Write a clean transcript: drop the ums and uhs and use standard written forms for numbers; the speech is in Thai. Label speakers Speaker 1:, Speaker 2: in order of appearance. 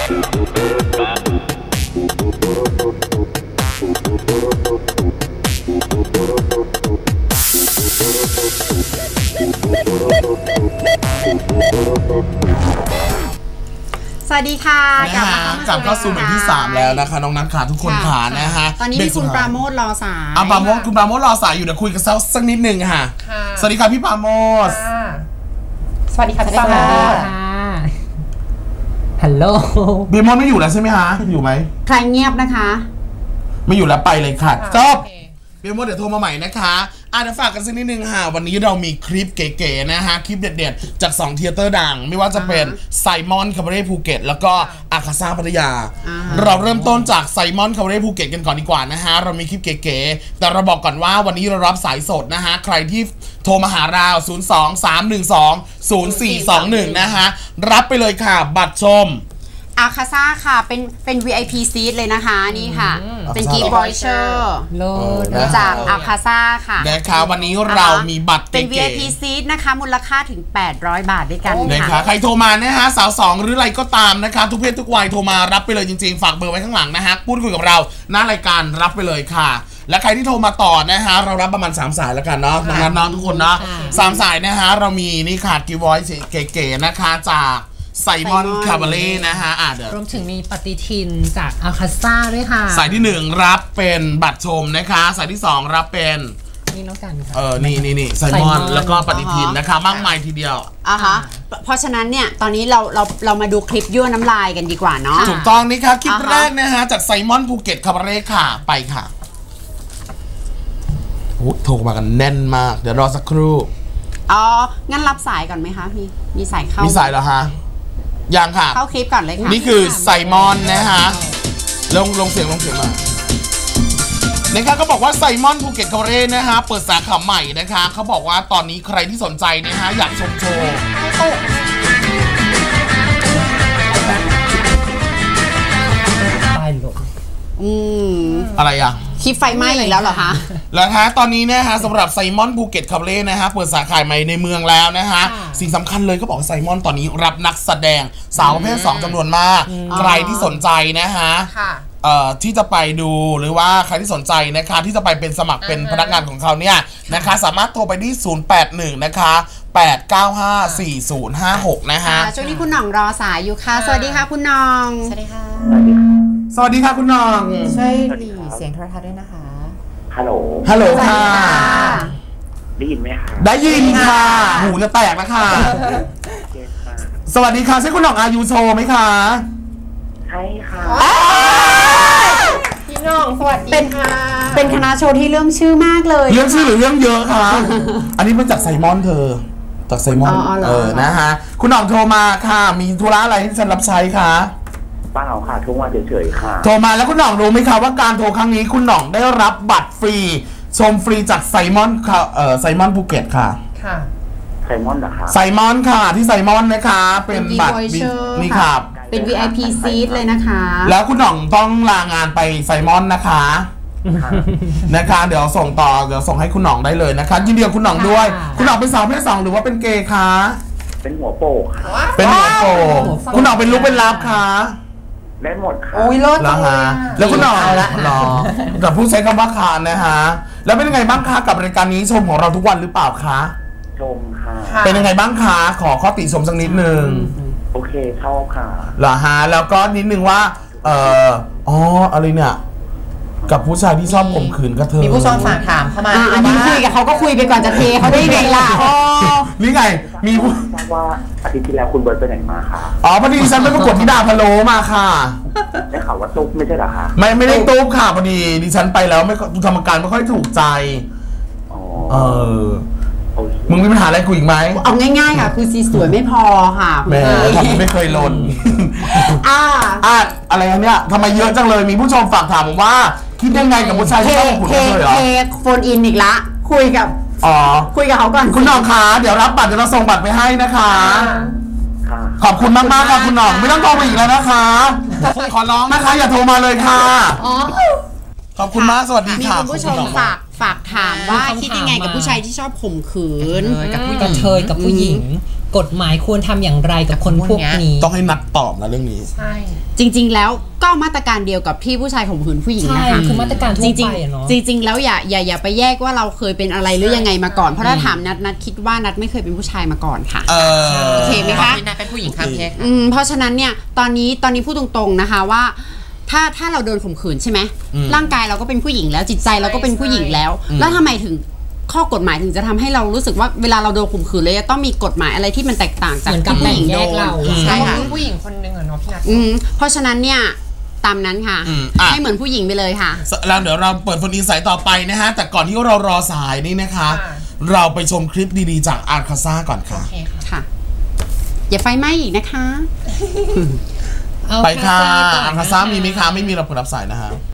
Speaker 1: สวัสดีค่ะกลับเข้าสู่เบรกที่3แล้วนะคะน้องนัทขาทุกคนขานะฮะ
Speaker 2: ตอนนี้มีคุณปราโมทรอสาย
Speaker 1: คุณปราโมทรอสายอยู่เดี๋ยวคุยกันสักนิดนึงค่ะสวัสดีค่ะพี่ปราโมท
Speaker 3: สวัสดีค่ะพี่ปราโมท
Speaker 4: ฮัลโหล
Speaker 1: พี่มดไม่อยู่แล้วใช่ไหมคะอยู่ไหม
Speaker 2: ใครเงียบนะคะ
Speaker 1: ไม่อยู่แล้วไปเลยค่ะจบพี่มดเดี๋ยวโทรมาใหม่นะคะเดี๋ยวฝากกันสักนิดนึงค่ะวันนี้เรามีคลิปเก๋ๆนะฮะคลิปเด็ดๆจาก2เทเตอร์ดังไม่ว่าจะเป็นไซมอนคาบาเร่ภูเก็ตแล้วก็อาคาซ่าพัทยาเราเริ่มต้นจากไซมอนคาบาเร่ภูเก็ตกันก่อนดีกว่านะฮะเรามีคลิปเก๋ๆแต่เราบอกก่อนว่าวันนี้เรารับสายสดนะฮะใครที่โทรมาหาเรา02-312-0421นะฮะรับไปเลยค่ะบัตรชม
Speaker 2: อาคาซ่าค่ะเป็น VIP seat เลยนะคะนี่ค่ะเป็นกีบอยเชอร์จากอาคาซ่าค่ะ
Speaker 1: นะคะวันนี้เรามีบัตร
Speaker 2: เป็น VIP seat นะคะมูลค่าถึง800 บาทด้วยกัน
Speaker 1: นะคะใครโทรมานะฮะสาว2หรืออะไรก็ตามนะคะทุกเพศทุกวัยโทรมารับไปเลยจริงๆฝากเบอร์ไว้ข้างหลังนะฮะพูดคุยกับเราหน้ารายการรับไปเลยค่ะและใครที่โทรมาต่อนะฮะเรารับประมาณ3สายแล้วกันเนาะน้องทุกคนเนาะ3สายนะฮะเรามีนี่ค่ะกีบอยเก๋ๆนะคะจากไซมอนคาบาเล่นะฮะ
Speaker 4: รวมถึงมีปฏิทินจากอาคาซ่าด้วยค่ะ
Speaker 1: สายที่1รับเป็นบัตรชมนะคะสายที่2รับเป็น
Speaker 4: นี่แล้วกันค่ะ
Speaker 1: นี่ไซมอนแล้วก็ปฏิทินนะคะมากมายทีเดียว
Speaker 2: เพราะฉะนั้นเนี่ยตอนนี้เรามาดูคลิปยั่วน้ำลายกันดีกว่าเนาะ
Speaker 1: ถูกต้องนี่ค่ะคลิปแรกนะฮะจากไซมอนภูเก็ตคาบาเร่ค่ะไปค่ะโทรมากันแน่นมากเดี๋ยวรอสักครู่
Speaker 2: งั้นรับสายก่อนไหมคะพี่มีสายเข้า
Speaker 1: มีสายเหรอฮะยังค่ะ
Speaker 2: เข้าคลิปก่อนเลยค่ะ
Speaker 1: นี่คือไซมอนนะฮะลงเสียงมานะคะก็บอกว่าไซมอนภูเก็ตคาบาเร่นะฮะเปิดสาขาใหม่นะคะเขาบอกว่าตอนนี้ใครที่สนใจนะฮะอยากชมโชว์อะไรอ่ะ
Speaker 2: คลิปไฟไหม้อีกแล้วเหรอคะ
Speaker 1: แล้วฮะตอนนี้นะฮะสำหรับไซมอนภูเก็ตคาบาเร่นะฮะเปิดสาขาใหม่ในเมืองแล้วนะฮะสิ่งสำคัญเลยก็บอกไซมอนตอนนี้รับนักแสดงสาวประเภท2จำนวนมากใครที่สนใจนะฮะที่จะไปดูหรือว่าใครที่สนใจนะคะที่จะไปเป็นสมัครเป็นพนักงานของเขาเนี่ยนะคะสามารถโทรไปที่081นะคะ8954056นะฮะ
Speaker 2: ช่วงนี้คุณหน่องรอสายอยู่ค่ะสวัสดีค่ะคุณหน่อง
Speaker 3: สวัสดีค่ะ
Speaker 1: สวัสดีค่ะคุณหน่อง
Speaker 3: ช่วยหลีเสียงโทรทัศน์ด้วยนะคะ
Speaker 1: ฮัลโหลค่ะ
Speaker 5: ได้ยินไหมคะ
Speaker 1: ได้ยินค่ะหูจะแตกแล้วค่ะสวัสดีค่ะใช่คุณหน่องอายุโชว์ไหมคะ
Speaker 5: ใช่ค่ะ
Speaker 3: พี่น้องสวัสดีค่ะ
Speaker 2: เป็นคณะโชว์ที่เรื่องชื่อมากเลย
Speaker 1: เรื่องชื่อหรือเรื่องเยอะคะอันนี้มาจากไซมอนเธอจากไซมอนนะฮะคุณหน่องโทรมาค่ะมีธุระอะไรที่ฉันรับใช้คะ
Speaker 5: เปล่าค่ะโทรมาเฉยๆค่ะ
Speaker 1: โทรมาแล้วคุณหน่องรู้ไหมคะว่าการโทรครั้งนี้คุณหน่องได้รับบัตรฟรีชมฟรีจากไซมอนไซมอนภูเก็ตค่ะ
Speaker 5: ไซมอนเหรอคะ
Speaker 1: ไซมอนค่ะที่ไซมอนนะคะเป็นบัตรนี่ค่ะ
Speaker 2: เป็น VIP seat เลยนะคะ
Speaker 1: แล้วคุณหน่องต้องลางานไปไซมอนนะคะเดี๋ยวส่งให้คุณหน่องได้เลยนะคะยินดีกับคุณหน่องด้วยคุณหน่องเป็นสาวเพศ2หรือว่าเป็นเกย์คะ
Speaker 5: เป็นหัวโปกค่ะ
Speaker 1: เป็นหัวโปกคุณหน่องเป็นลูกเป็นลับคะ
Speaker 5: ได้หมดค่ะ
Speaker 3: โอ้ยเลิศ
Speaker 1: แล้วฮะแล้วคุณหน่องกับผู้ใช้คำว่าคานนะฮะแล้วเป็นยังไงบ้างคะกับรายการนี้ชมของเราทุกวันหรือเปล่าคะ
Speaker 5: ชมค่ะ
Speaker 1: เป็นยังไงบ้างคะขอข้อติชมสักนิดนึง
Speaker 5: โอเคชอบค่ะ
Speaker 1: เหรอฮะแล้วก็นิดนึงว่าอะไรเนี่ยกับผู้ชายที่ชอบข่มขืนกระเทย
Speaker 3: มีผู้ชมฝากถามเข้ามา
Speaker 2: อันนี้คุยกับเขาก็คุยไปก่อนจะเทเขาได้ไงล่ะ
Speaker 1: นี่ไงมีผู้
Speaker 5: ว่าอาทิตย์ที่แล้วคุณเบิร์ตไปไหนมาคะ
Speaker 1: พอดีฉันไปประกวดที่ดาพะโลมาค่ะ
Speaker 5: ได้ข่าวว่าตุ๊บไม่ใช่เหรอคะ
Speaker 1: ไม่ได้ตุ๊บค่ะพอดีดิฉันไปแล้วไม่กรรมการไม่ค่อยถูกใจมึงมีปัญหาอะไรกูอีกไหม
Speaker 2: เอาง่ายๆค่ะคือสีสวยไม่พอค่ะ
Speaker 1: แม่ทำไม่เคยลนอะไรเนี่ยทำไมเยอะจังเลยมีผู้ชมฝากถามผมว่าคิดยังไงกับผู้ชายที่ชอบขุนเลยเหรอ
Speaker 2: โฟนอินอีกละคุยกับเขาก่อน
Speaker 1: คุณหน่องคะเดี๋ยวรับบัตรเดี๋ยวเราส่งบัตรไปให้นะคะขอบคุณมากๆค่ะคุณหน่องไม่ต้องโทรมาอีกแล้วนะคะขอร้องนะคะอย่าโทรมาเลยค่ะขอบคุณมากสวัสดีค่ะ
Speaker 2: มีคุณผู้ชมฝากถามว่าคิดยังไงกับผู้ชายที่ชอบข่มขืน
Speaker 4: กับผู้กระเทยกับผู้หญิงกฎหมายควรทำอย่างไรกับคนพวกนี้
Speaker 1: ต้องให้นัดตอบนะเรื่องนี้
Speaker 3: ใช่
Speaker 2: จริงๆแล้วก็มาตรการเดียวกับที่ผู้ชายข่มขืนผู้หญิงนะคะ
Speaker 4: คือมาตรการทั่วไปเนาะ
Speaker 2: จริงๆแล้วอย่าไปแยกว่าเราเคยเป็นอะไรหรือยังไงมาก่อนเพราะถ้าถามนัดคิดว่านัดไม่เคยเป็นผู้ชายมาก่อนค่ะโอเคไหมคะ
Speaker 3: นัดเป็นผู้หญิงครับพี่
Speaker 2: เพราะฉะนั้นเนี่ยตอนนี้พูดตรงๆนะคะว่าถ้าเราโดนข่มขืนใช่ไหมร่างกายเราก็เป็นผู้หญิงแล้วจิตใจเราก็เป็นผู้หญิงแล้วแล้วทำไมถึงข้อกฎหมายถึงจะทำให้เรารู้สึกว่าเวลาเราโดนข่มขืนเลยจะต้องมีกฎหมายอะไรที่มันแตกต่างจากที่ผู้หญิงโดน
Speaker 3: ใช่ค่ะผู้หญิงคนนึงเนาะพี่นัท
Speaker 2: เพราะฉะนั้นเนี่ยตามนั้นค่ะให้เหมือนผู้หญิงไปเลยค่ะ
Speaker 1: แล้วเดี๋ยวเราเปิดโฟนอินไซต์ต่อไปนะฮะแต่ก่อนที่เรารอสายนี่นะคะเราไปชมคลิปดีๆจากอาร์คาซ่าก่อนค่ะ
Speaker 2: ค่ะอย่าไฟไหม้อีกนะคะ
Speaker 1: ไปค่ะอาร์คาซ่ามีไหมคะไม่มีเราเปิดรับสายนะฮะ